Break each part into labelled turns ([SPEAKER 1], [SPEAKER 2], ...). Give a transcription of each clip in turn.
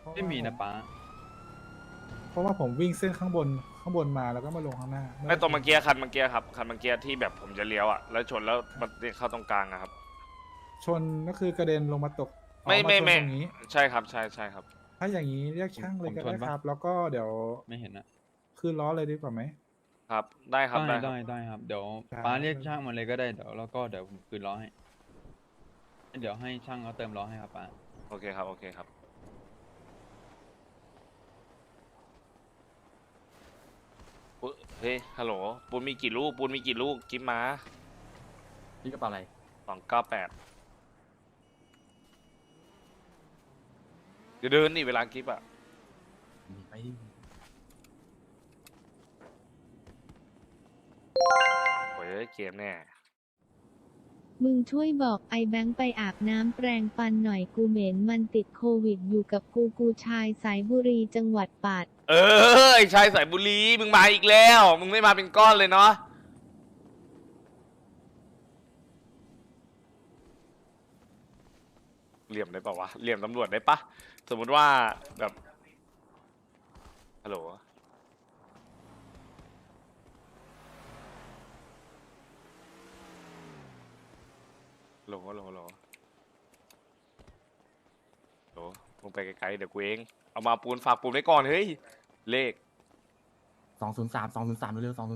[SPEAKER 1] ไม่มีนะป้า
[SPEAKER 2] เพราะว่าผมวิ่งเส้นข้างบนมาแล้วก็มาลงข้างหน้า
[SPEAKER 3] ไอ้ตรงเมื่อกี้คันเมื่อกี้ครับคันเมื่อกี้ที่แบบผมจะเลี้ยวอ่ะแล้วชนแล้วมันเข้าตรงกลางอะครับ
[SPEAKER 2] ชนก็คือกระเด็นลงมาตก
[SPEAKER 3] ไม่
[SPEAKER 2] มาชนตรงนี้
[SPEAKER 3] ใช่ครับใช่ครับ
[SPEAKER 2] ถ้าอย่างนี้เรียกช่างเลยก็ได้ครับ แล้วก็เดี๋ยว
[SPEAKER 1] ไม่เห็นนะ
[SPEAKER 2] ขึ้นล้อเลยดีกว่าไหม
[SPEAKER 3] ครับได้ครับ
[SPEAKER 1] ได้
[SPEAKER 3] ได้ครับ
[SPEAKER 1] ได้ครับ เดี๋ยว
[SPEAKER 2] ครับ
[SPEAKER 1] ป้าเรียกช่างมาเลยก็ได้เดี๋ยวแล้วก็เดี๋ยวผมคืนล้อให้เดี๋ยวให้ช่างเขาเติมล้อให้ครับป้า
[SPEAKER 3] โอเคครับโอเคครับปุ๊เฮ้ยฮัลโหลปูนมีกี่ลูกปูนมีกี่ลูกกิ๊บมา
[SPEAKER 4] นี่กระเป๋าอะไร
[SPEAKER 3] 298เดี๋ยวเดินนี่เวลากิ๊บอ่ะ
[SPEAKER 4] มีไปดิ
[SPEAKER 3] โอ้ยเกมแน่
[SPEAKER 5] มึงช่วยบอกไอ้แบงค์ไปอาบน้ำแปรงฟันหน่อยกูเหม็นมันติดโควิดอยู่กับกูชายสายบุรีจังหวัดปัตตานี
[SPEAKER 3] เออไอชายสายบุรีมึงมาอีกแล้วมึงไม่มาเป็นก้อนเลยเนาะเหลี่ยมได้ปะวะเหลี่ยมตำรวจได้ปะสมมุติว่าแบบฮัลโหลโหลโหลโหลโหลมึงไปไกลๆเดี๋ยวกูเองเอามาปูนฝากปูนไว้ก่อนเฮ้ยเลข
[SPEAKER 4] 203เร็วๆ203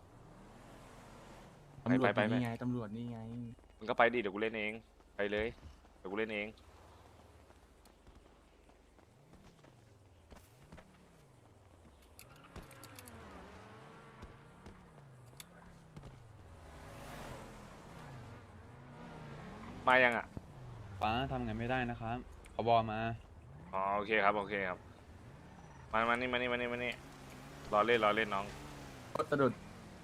[SPEAKER 4] ตำรวจ
[SPEAKER 3] ไป
[SPEAKER 4] นี่ไงตำรวจนี่ไง
[SPEAKER 3] มึงก็ไปดิเดี๋ยวกูเล่นเองไปเลยเดี๋ยวกูเล่นเองมายังอ่ะ
[SPEAKER 1] ป้าทำไงไม่ได้นะครับขบอมา
[SPEAKER 3] อ๋อโอเคครับโอเคครับมานี่รอเล่นน้อง
[SPEAKER 4] รถสะดุด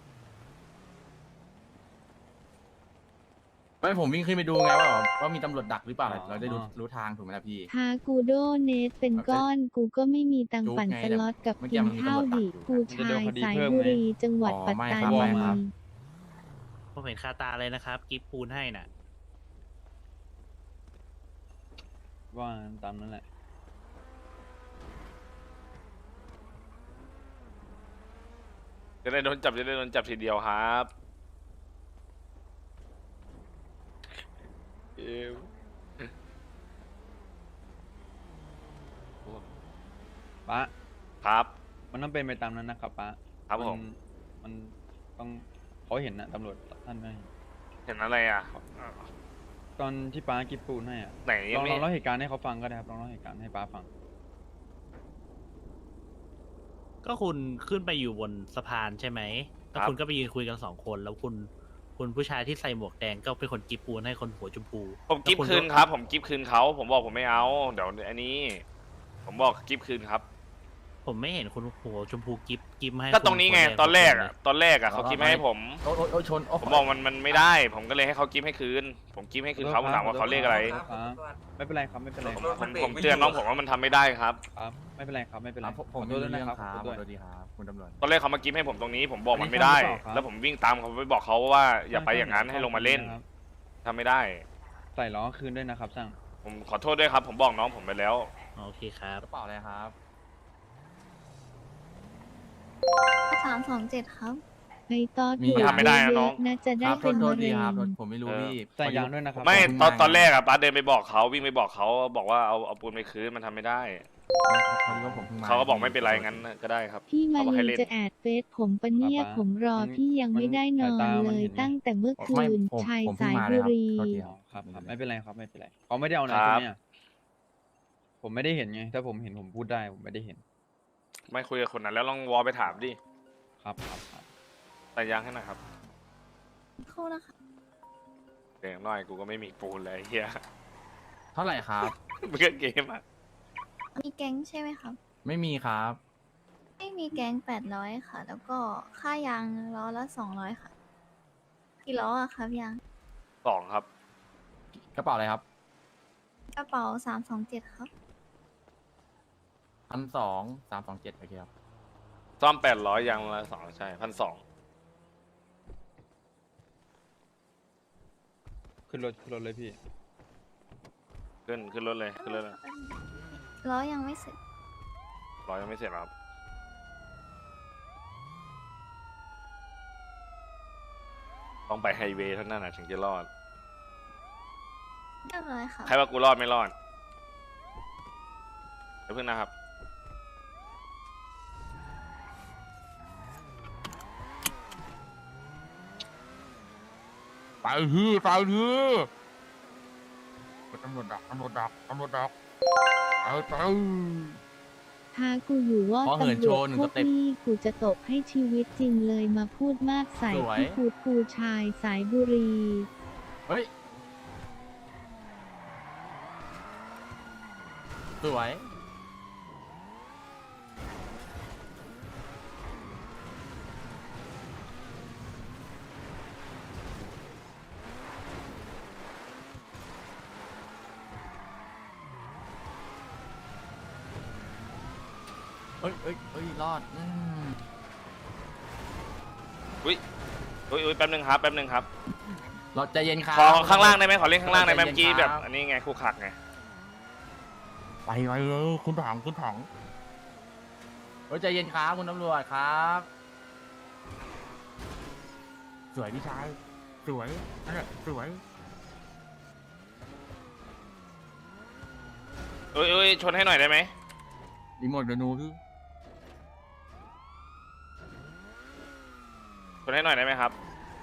[SPEAKER 4] ไม่ผมวิ่งขึ้นไปดูไงว่ามีตำรวจดักหรือเปล่า
[SPEAKER 1] อ๋อ
[SPEAKER 4] เราได้รู้ทางถูกไหมล่ะพี่
[SPEAKER 5] พากูโดเนทเป็นก้อนกูก็ไม่มีตังค์ปั่นสล็อตกับ
[SPEAKER 4] เมื่อกี้
[SPEAKER 5] กิน
[SPEAKER 4] มันมี
[SPEAKER 5] ข้าว
[SPEAKER 4] ตำรวจ
[SPEAKER 5] ดิ
[SPEAKER 4] ดักอยู่
[SPEAKER 5] กูชายสายบุรีจังหวัด
[SPEAKER 4] อ๋อ
[SPEAKER 5] ปัต
[SPEAKER 4] ไม่
[SPEAKER 5] ตา
[SPEAKER 4] ครับ
[SPEAKER 5] นี
[SPEAKER 4] ไม่ครับ
[SPEAKER 6] ผมเห็นคาตาเลยนะครับ กิฟปูนให้น่ะ
[SPEAKER 1] ว่าตามนั้นแหละ
[SPEAKER 3] จะได้โดนจับทีเดียวครับเอว
[SPEAKER 1] ป้า
[SPEAKER 3] ครับ
[SPEAKER 1] มันต้องเป็นไปตามนั้นนะครับป้า
[SPEAKER 3] ครับผม
[SPEAKER 1] มันต้องเขาเห็นนะตำรวจท่านไม่
[SPEAKER 3] เห็นอะไรอ่ะ
[SPEAKER 1] ตอนที่ป้ากิฟปูนให้อะ
[SPEAKER 3] ไหน
[SPEAKER 1] ลอง
[SPEAKER 3] ไม่
[SPEAKER 1] เล่าเหตุการณ์ให้เขาฟังก็ได้ครับลองเล่าเหตุการณ์ให้ป้าฟัง
[SPEAKER 6] ก็คุณขึ้นไปอยู่บนสะพานใช่ไหมแล้วคุณก็ไปยืนคุยกัน2 คนแล้วคุณผู้ชายที่ใส่หมวกแดงก็เป็นคนกิฟปูนให้คนหัวชมพู
[SPEAKER 3] ผมกิฟ
[SPEAKER 6] แล้ว
[SPEAKER 3] คืนครับ ผมกิฟคืนเขาผมบอกผมไม่เอาเดี๋ยวอันนี้ ผมบอกกิฟคืนครับ
[SPEAKER 6] ผมไม่เห็นคุณหัวชมพูกิฟให้
[SPEAKER 3] ก็ตรงนี้ไง
[SPEAKER 6] คุณหัวด
[SPEAKER 3] ตอนแรก
[SPEAKER 6] เลย
[SPEAKER 3] อ่ะเขากิฟให้ผม
[SPEAKER 4] โอ้ชน
[SPEAKER 3] ผมบอกมันไม่ได้ ผมก็เลยให้เขากิฟให้คืน ผมกิฟให้คืนเขาผมถามว่าเขาเลขอะไร
[SPEAKER 1] ครับไม่เป็นไรครับไม่เป็นไร
[SPEAKER 3] ผมเตือนน้องผมว่ามันทำไม่ได้ครับ
[SPEAKER 1] ครับไม่เป็นไรครับไม่เป็นไร
[SPEAKER 4] ผม
[SPEAKER 1] ขอโท
[SPEAKER 4] ไม่
[SPEAKER 1] ษด้ว
[SPEAKER 4] รู้
[SPEAKER 1] ย
[SPEAKER 4] เรื่
[SPEAKER 1] นะ
[SPEAKER 4] อง
[SPEAKER 1] ครับ
[SPEAKER 4] ค
[SPEAKER 1] ข
[SPEAKER 4] รั
[SPEAKER 1] อบ โทษ
[SPEAKER 4] ขอ
[SPEAKER 1] ด้วย
[SPEAKER 4] โทษดีครับคุณตำรวจ
[SPEAKER 3] ตอนแรกเขามากิฟให้ผมตรงนี้ ผมบอกมันไม่ได้
[SPEAKER 1] อันนี้ทำหรือเปล่าครับ
[SPEAKER 3] แล้วผมวิ่งตามเขาไปบอกเขาว่าอย่าไปอย่างนั้นให้ลงมาเล่น
[SPEAKER 1] ครับ
[SPEAKER 3] ทำไม่ได้
[SPEAKER 1] ใส่ล้อคืนด้วยนะครับช่าง
[SPEAKER 3] ผมขอโทษด้วยครับ ผมบอกน้องผมไปแล้ว
[SPEAKER 6] โอเคครับ
[SPEAKER 4] กระเป๋าอะไรครับ
[SPEAKER 7] 327 ครับ
[SPEAKER 5] ไอ้ตอ
[SPEAKER 4] มี
[SPEAKER 5] ถูก
[SPEAKER 3] ทำไม่ได้นะ
[SPEAKER 5] เย
[SPEAKER 3] น้อ
[SPEAKER 5] อะ
[SPEAKER 3] ง
[SPEAKER 5] ๆนะจะ
[SPEAKER 4] ค
[SPEAKER 5] ได้
[SPEAKER 4] รับ
[SPEAKER 5] เป็น
[SPEAKER 4] โท
[SPEAKER 5] มะ
[SPEAKER 4] ษดี
[SPEAKER 5] เร็ง
[SPEAKER 4] ครับผมไม่รู้พี่
[SPEAKER 1] ใส่ยางด้วยนะครับ
[SPEAKER 3] ไม่
[SPEAKER 4] ขอบคุณ
[SPEAKER 3] ตอน
[SPEAKER 4] มาก
[SPEAKER 3] แรกอะป้าเดินไปบอกเขาวิ่งไปบอกเขาบอกว่าเอาปูนไปคืนมันทำไม่ได้
[SPEAKER 4] พอดีว่าผมเพิ่งมา
[SPEAKER 3] เขาก็บอกไม่เป็นไรงั้นก็ได้ครับ
[SPEAKER 5] พี่มา
[SPEAKER 3] เขาบอกให้
[SPEAKER 5] ลี
[SPEAKER 3] เล่น
[SPEAKER 5] จะแอดเฟซผมปะเนี่ยผมรอพี่ยังไม่ได้นอนเลยตั้งแต่เมื่อคื
[SPEAKER 4] ไม่
[SPEAKER 5] น
[SPEAKER 4] ผม
[SPEAKER 5] ชาย
[SPEAKER 4] ผมเพิ่
[SPEAKER 5] สาง ย
[SPEAKER 4] มาเล
[SPEAKER 5] บุ
[SPEAKER 4] ยครับ
[SPEAKER 5] รี
[SPEAKER 4] โทษที
[SPEAKER 1] อ๋อครับครับไม่เป็นไรครับไม่เป็นไรเขาไม่ได้เอาไหน
[SPEAKER 3] ค
[SPEAKER 1] ต
[SPEAKER 3] รั
[SPEAKER 1] ร
[SPEAKER 3] บ
[SPEAKER 1] งเนี้ยผมไม่ได้เห็นไงถ้าผมเห็นผมพูดได้ผมไม่ได้เห็น
[SPEAKER 3] ไม่คุยกับคนนั้นแล้วลองวอลไปถามดิ
[SPEAKER 1] ครับครับครับ
[SPEAKER 3] แต่ยางให้หน่อยครับ
[SPEAKER 7] เข้านะคะ
[SPEAKER 3] เดี๋ยวน้อยกูก็ไม่มีปูนเลยเฮีย
[SPEAKER 4] เท่าไหร่ครับ
[SPEAKER 3] เมื่อเกมอะ
[SPEAKER 7] มีแก๊งใช่ไหมครับ
[SPEAKER 4] ไม่มีครับ
[SPEAKER 7] ไม่มีแก๊ง800 ค่ะ แล้วก็ค่ายางล้อละ200 ค่ะ กี่ล้ออะครับยาง
[SPEAKER 3] 2ครับ
[SPEAKER 4] กระเป๋าอะไรครับ
[SPEAKER 7] กระเป๋า327 ครับ
[SPEAKER 4] 12327โอเคครับ
[SPEAKER 3] ซ่อม800ยางละ2ใช่1,200
[SPEAKER 1] ขึ้นรถเลยพี่
[SPEAKER 3] ขึ้นรถเลยขึ้นรถเลย
[SPEAKER 7] ล้อยังไม่เสร็จ
[SPEAKER 3] รอยังไม่เสร็จครับ ต้องไปไฮเวย์เท่านั้นนะถึงจะรอด
[SPEAKER 7] เรียบร้อยค่ะ
[SPEAKER 3] ใครว่ากูรอดไม่รอดเดี๋ยวเพิ่งนะครับ
[SPEAKER 4] ไปที่ไปที่ตำรวจดักตำรวจดักตำรวจดักเอาไป
[SPEAKER 5] ท้ากูอยู่ว่า
[SPEAKER 4] ขอเหิน
[SPEAKER 5] ตำร
[SPEAKER 4] โช
[SPEAKER 5] ว
[SPEAKER 4] ว์
[SPEAKER 5] จ
[SPEAKER 4] หนึ่ง
[SPEAKER 5] พว
[SPEAKER 4] ส
[SPEAKER 5] ก
[SPEAKER 4] เต็ป
[SPEAKER 5] นี้กูจะตบให้ชีวิตจริงเลยมาพูดมากใส่
[SPEAKER 4] สวย
[SPEAKER 5] ที่พูดกูชายสายบุรี
[SPEAKER 4] เฮ้ย สวย เอ้ยเอ้ยเอ้ย รอด
[SPEAKER 3] อุ้ยแป๊บนึงครับ แป๊บนึงครับ
[SPEAKER 4] รอดใจเย็นครับ
[SPEAKER 3] ขอข้างล่างได้ไหมขอเล่นข้างล่างได้ไหม
[SPEAKER 4] ใจ
[SPEAKER 3] เมื่อ
[SPEAKER 4] เย็
[SPEAKER 3] กี้
[SPEAKER 4] น
[SPEAKER 3] แบ
[SPEAKER 4] ครับ บ
[SPEAKER 3] อันนี้ไงคู่ขักไง
[SPEAKER 4] ไปไปเลยคุณถังคุณถังเฮ้ยใจเย็นครับคุณตำรวจครับ สวยพี่ชาย สวยนั่นแหละสวย
[SPEAKER 3] เอ้ยชนให้หน่อยได้ไหม
[SPEAKER 4] รีโมทเดนูคือ
[SPEAKER 3] ชนให้หน่อยได้ไหมครับ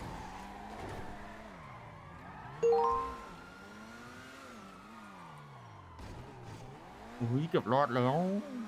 [SPEAKER 4] อุ้ยเกือบรอดแล้ว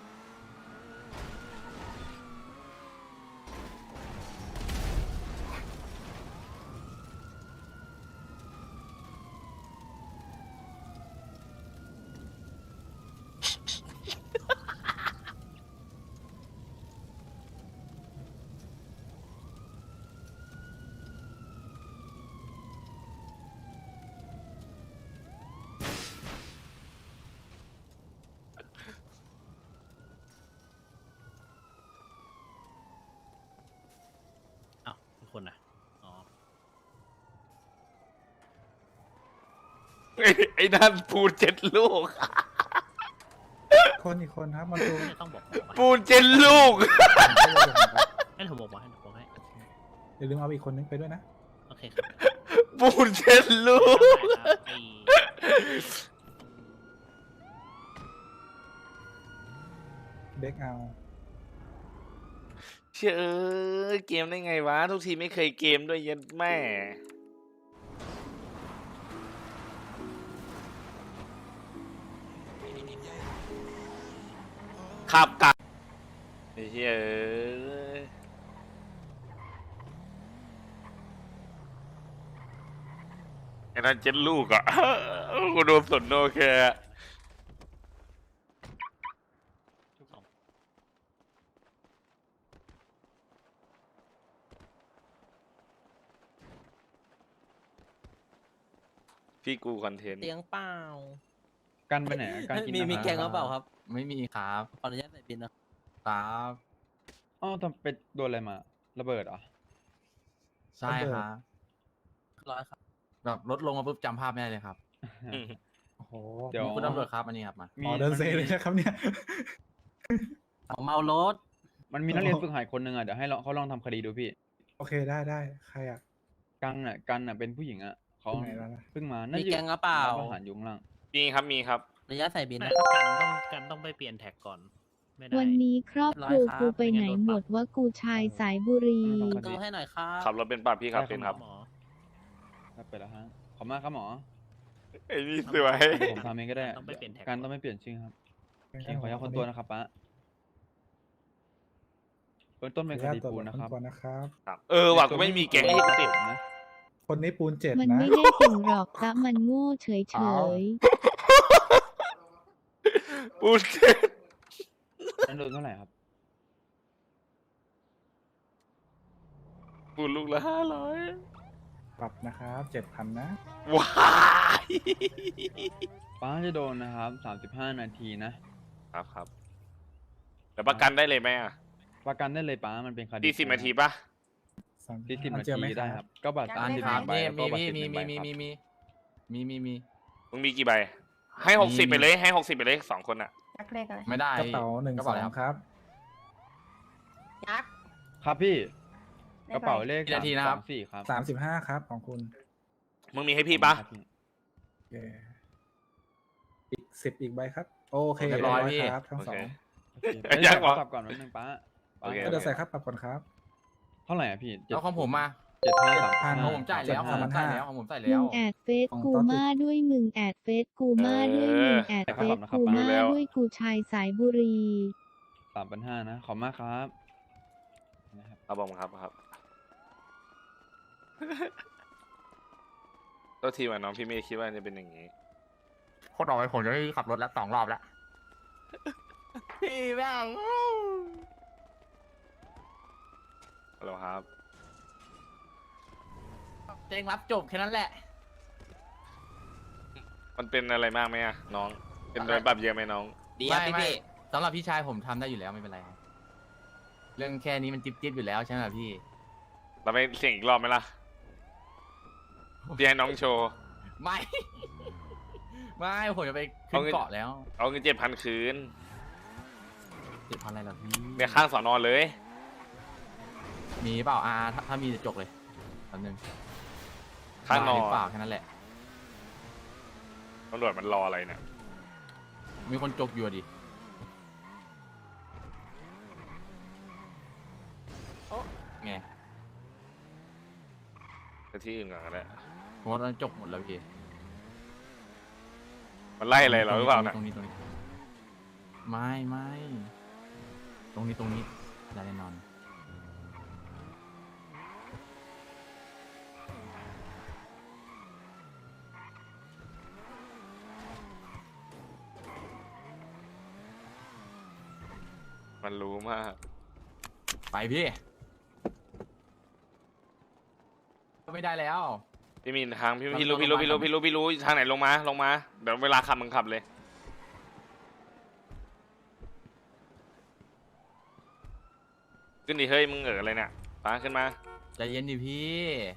[SPEAKER 6] อ้าวทุกคนนะอ๋อ
[SPEAKER 3] ไอ้นั่นปูน7 ลูก
[SPEAKER 2] คนอีกคนครับมันดู
[SPEAKER 6] ไม่ต้องบอกผมมา
[SPEAKER 3] ปูน7 ลูก
[SPEAKER 6] ให้ผมบอกมาให้ผมบอกให้
[SPEAKER 2] อย่าลืมเอาอีกคนนึงไปด้วยนะ
[SPEAKER 6] โอเคครับ
[SPEAKER 3] ปูน7 ลูก
[SPEAKER 6] ได้ครับไอ้
[SPEAKER 2] เด็กเอา
[SPEAKER 3] เชื่อเกมได้ไงวะ ทุกทีไม่เคยเกมด้วยเยันแม่ ขับกลับไอ้เหี้ยไอ้นั่น7 ลูกอ่ะ กูโดนสนโอเคอะ
[SPEAKER 6] ทุกสอง
[SPEAKER 3] พี่กูคอนเทนต์
[SPEAKER 8] เตียงเปล่า
[SPEAKER 1] กันไปไหนอะการกิน
[SPEAKER 8] มี
[SPEAKER 1] อาหาร
[SPEAKER 8] แกงหรือเปล่าครับ
[SPEAKER 4] ไม่มีครับ
[SPEAKER 8] ขออนุญาตใส่บินนะ
[SPEAKER 4] ครับ
[SPEAKER 1] อ๋อทำไปโดนอะไรมา ระเบิดเหรอ
[SPEAKER 4] ใช่ครับ
[SPEAKER 8] ร้อยครับ
[SPEAKER 4] แบบรถลงมาปุ๊บจำภาพไม่ได้เลยครับ
[SPEAKER 2] โอ้โห
[SPEAKER 1] เดี๋ยว
[SPEAKER 4] นี่คุณตำรวจครับอันนี้ครับมา
[SPEAKER 2] อ๋อเดินเซเลยนะครับเนี่ย
[SPEAKER 8] เอาเมารถ
[SPEAKER 1] มันมีนักเรียนฝึกหัดคนหนึ่งอ่ะ เดี๋ยวให้เขาลองทำคดีดูพี่
[SPEAKER 2] โอเคได้ใครอ่ะ
[SPEAKER 1] กันเป็นผู้หญิงอ่ะเขา
[SPEAKER 2] ที่ไหนแล้วนะ
[SPEAKER 1] เพิ่งมา
[SPEAKER 8] มีแกงหรือเปล่า
[SPEAKER 1] ร้นอาหารอยุงล่าง
[SPEAKER 3] มีครับ มีครับ
[SPEAKER 8] ขออนุญาตใส่บิน
[SPEAKER 6] ไม่
[SPEAKER 8] นะครับ
[SPEAKER 6] กันต้องไปเปลี่ยนแท็กก่อน ไม่ได้
[SPEAKER 5] วันนี้ครอบครัวกูไปไหนหมดว่ากูชายสายบุรี
[SPEAKER 8] ตู้ให้หน่อยครับ
[SPEAKER 3] ขับรถเป็นป่ะพี่ครับ เป็นครับ
[SPEAKER 6] หมอ
[SPEAKER 1] ครับไปแล้วฮะ ขอบมากครับหมอ
[SPEAKER 3] ไอ้นี่สวย
[SPEAKER 1] เดี๋ยวผมทำเองก็ได้
[SPEAKER 6] ต้องไปเปลี่ยนแท็ก
[SPEAKER 1] การต้องไม่เปลี่ยนชื่อครับโอเคขออนุญาตคนตัวนะครับป้าเบื้องต้นเป็นคดีปูนนะครับ
[SPEAKER 2] ก่อนนะครับ
[SPEAKER 3] ครับว่ะกูไม่มีแกงให้กูติด
[SPEAKER 1] นะ
[SPEAKER 2] คนนี้ปูน7
[SPEAKER 5] มัน
[SPEAKER 2] นะ
[SPEAKER 5] ไม่ได้เก่งหรอกแต่มันโง่เฉย
[SPEAKER 2] อ้าว
[SPEAKER 3] ปูนเจ็ด
[SPEAKER 1] นั่นโดนเท่าไหร่ครับ
[SPEAKER 3] ปูนลูกละ500
[SPEAKER 2] ปรับนะครับ7,000นะ
[SPEAKER 3] ว้าย
[SPEAKER 1] ป้าจะโดนนะครับ35 นาทีนะครับ
[SPEAKER 3] ครับแต่ประกันได้เลยไหมอ่ะ
[SPEAKER 1] ประกันได้เลยป้ามันเป็นคดี
[SPEAKER 3] 40 นาทีป่ะ
[SPEAKER 1] 40 นา
[SPEAKER 2] เจอไหม
[SPEAKER 1] ทีได้ครับ ก็บัตร
[SPEAKER 4] อัน
[SPEAKER 1] สิบ
[SPEAKER 4] ครับ
[SPEAKER 1] ใบ
[SPEAKER 4] นี่
[SPEAKER 1] แล้วก็บัตร
[SPEAKER 4] มี
[SPEAKER 1] 10
[SPEAKER 4] มี
[SPEAKER 1] ใบ
[SPEAKER 4] มี
[SPEAKER 1] ครับ
[SPEAKER 4] มี
[SPEAKER 3] มึงมีกี่ใบ ให้60ไปเลย ให้60ไปเลย2 คนอ่ะ
[SPEAKER 7] ยักษ์เลขอะไร
[SPEAKER 4] ไม่ได้
[SPEAKER 2] กระเป๋าหนึ่ง
[SPEAKER 4] กระ
[SPEAKER 2] ส
[SPEAKER 4] เป๋า
[SPEAKER 2] อ
[SPEAKER 4] อะไร
[SPEAKER 2] งครับ
[SPEAKER 7] ยักษ์
[SPEAKER 1] ครับพี่
[SPEAKER 7] เล
[SPEAKER 1] ก
[SPEAKER 7] ข
[SPEAKER 1] ระ
[SPEAKER 7] อะไร
[SPEAKER 1] เป๋าเลข
[SPEAKER 4] กี่นาทีนะครับ
[SPEAKER 1] 324ครับ
[SPEAKER 2] 35ครับของคุณ
[SPEAKER 3] มึงมีให้พี่ปะ
[SPEAKER 1] ครับพี่
[SPEAKER 2] โอเคอีก10อีกใบครับ โอเค
[SPEAKER 4] เรียบร้อยพี่
[SPEAKER 2] ครับทั้ง
[SPEAKER 3] โอ
[SPEAKER 2] สอ
[SPEAKER 3] เค
[SPEAKER 2] ง
[SPEAKER 1] โอเค
[SPEAKER 3] เอ้ยอยากบอก
[SPEAKER 1] ปรับก่อนนิดนึงป้า
[SPEAKER 3] โอเค
[SPEAKER 2] ก็เดี๋ยวใส่ครับปรับก่อนครับ
[SPEAKER 1] เท่าไหร่อ่ะพี่
[SPEAKER 4] แล้วของผมมา
[SPEAKER 2] 7,000
[SPEAKER 4] ของผมจ่ายแล้วของผมจ่ายแล้วของผมจ่าย
[SPEAKER 5] มึ
[SPEAKER 4] แล้ว
[SPEAKER 5] งแอดเฟซกูมาด้วยมึงแอดเฟซกูมาด้วยมึงแอดเฟซกูมาด้วยกูชายสายบุรี
[SPEAKER 1] 3,500นะขอบมากครับนะครับ
[SPEAKER 3] ครับผมครับตัวทีว่าน้องพี่เมย์คิดว่าจะเป็นอย่างนี้
[SPEAKER 4] โคตรเอาไว้ผมจะได้ขับรถแล้ว2 รอบแล้ว พี่แม่ง
[SPEAKER 3] ฮัลโหลครับ
[SPEAKER 8] เต็งรับจบแค่นั้นแหละ
[SPEAKER 3] มันเป็นอะไรมากไหมอะน้อง เป็นโดนปรับเยอะไหมน้อง
[SPEAKER 8] ดีครับ
[SPEAKER 4] ไม่
[SPEAKER 8] พี่
[SPEAKER 4] สำหรับพี่ชายผมทำได้อยู่แล้วไม่เป็นไรครับเรื่องแค่นี้มันจิ๊บอยู่แล้วใช่ไหมพี่
[SPEAKER 3] เราไปเสี่ยงอีกรอบไหมล่ะ พี่ให้น้องโชว์
[SPEAKER 4] ไม่ ไม่ผมจะไปขึ้
[SPEAKER 3] เอา
[SPEAKER 4] น
[SPEAKER 3] เงิน
[SPEAKER 4] เกาะแล้ว
[SPEAKER 3] เอาเงิน7,000คืน
[SPEAKER 4] 7,000อะไรล่ะพี่
[SPEAKER 3] เนี่ยข้างสอนอเลย
[SPEAKER 4] มีเปล่าถ้ามีจะจกเลยแป๊บนึง
[SPEAKER 3] ข้างนอ
[SPEAKER 4] หรือเปล่าแค่นั้นแหละ
[SPEAKER 3] ตำรวจมันรออะไรเนี่ย
[SPEAKER 4] มีคนจกอยู่อะดิไง
[SPEAKER 3] ไปที่อื่นก่อนก็ได้
[SPEAKER 4] ผมว่าจกหมดแล้วพี่
[SPEAKER 3] มันไล่อะไรเราหรือเปล่านะ
[SPEAKER 4] ตรงนี้ไม่ตรงนี้ได้แน่นอน
[SPEAKER 3] มันรู้มาก
[SPEAKER 4] ไปพี่ก็ไม่ได้แล้ว
[SPEAKER 3] พี่มีทางพี่รู้ทางไหนลงมาเดี๋ยวเวลาขับมึงขับเลย ขึ้นดิเฮ้ยมึงอะไรเนี่ยป้าขึ้นมา
[SPEAKER 4] ใจเย็นดิพี่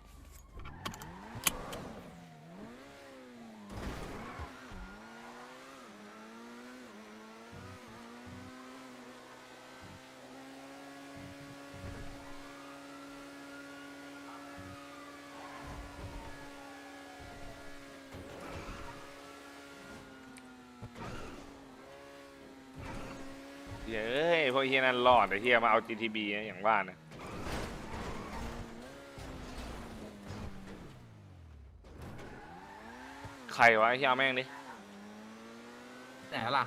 [SPEAKER 3] เฮ้ยพวกเฮียนั่นรอดแต่เฮียมาเอา GTB นะอย่างว่านะใครวะเฮียเอาแม่งดิ
[SPEAKER 4] ไหนล่ะ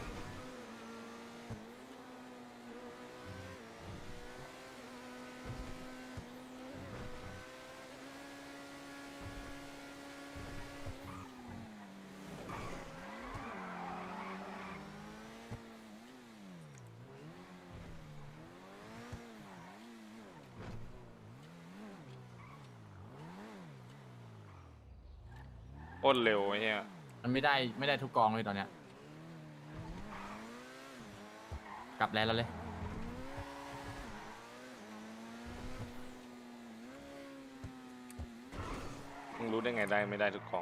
[SPEAKER 3] โคตรเร็วไอ้เฮีย
[SPEAKER 4] มันไม่ได้ทุกกองเลยตอนเนี้ยกลับแล้วเลย
[SPEAKER 3] มึงรู้ได้ไงได้ไม่ได้ทุกของ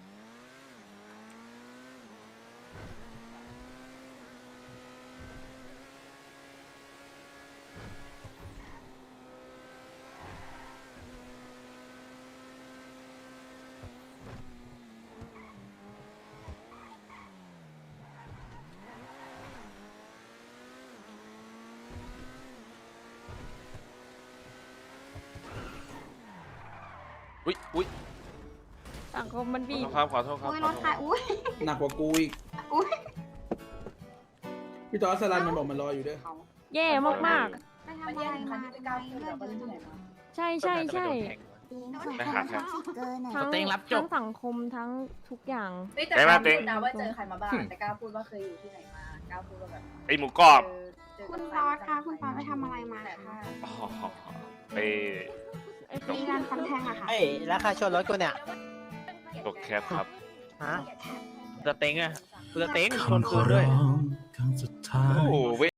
[SPEAKER 3] อุ๊ย
[SPEAKER 9] สังคมมัน
[SPEAKER 3] ขอ
[SPEAKER 9] บี
[SPEAKER 3] โท
[SPEAKER 9] บ
[SPEAKER 3] ษครับขอโทษครับ
[SPEAKER 7] อุ้ย
[SPEAKER 3] ข
[SPEAKER 7] ร
[SPEAKER 3] อ
[SPEAKER 7] ถ
[SPEAKER 3] โทษ
[SPEAKER 7] ใครอุ้ย
[SPEAKER 10] หนักกว่ากูอีก
[SPEAKER 7] อุ้ย
[SPEAKER 10] พี่จอร์จสลันมันบอกมันรออยู่ด้วย
[SPEAKER 9] แย่มาก
[SPEAKER 7] ไปทำอะไรมาทำไมเรื่องเยอะจัง
[SPEAKER 9] ๆ ใช่ใช่ใช่
[SPEAKER 3] ไปหาใคร
[SPEAKER 9] ทั้ง
[SPEAKER 8] เต็งรับจบ
[SPEAKER 9] ทั้งสังคมทั้งทุกอย่าง
[SPEAKER 3] ไปมาเต็ง
[SPEAKER 9] นะว่าเจอใครมาบ้าง
[SPEAKER 11] แต่กล้าพูดว่าเคยอยู่ที่ไหนมากล้าพูดว่าแบบ
[SPEAKER 3] ไอหมูกรอบ
[SPEAKER 11] คุณป๊อดคะคุณป๊อดไปทำอะไรมาคะ
[SPEAKER 3] อ๋อไป
[SPEAKER 11] มีงานคอนแทงอะค่ะ
[SPEAKER 8] เอ้ยแล้วค่าชนรถกูเนี่ย
[SPEAKER 3] ตกแคปครับ
[SPEAKER 8] ฮะสเต็งอะสเต็งชนคืนด้วย
[SPEAKER 3] โอ้โห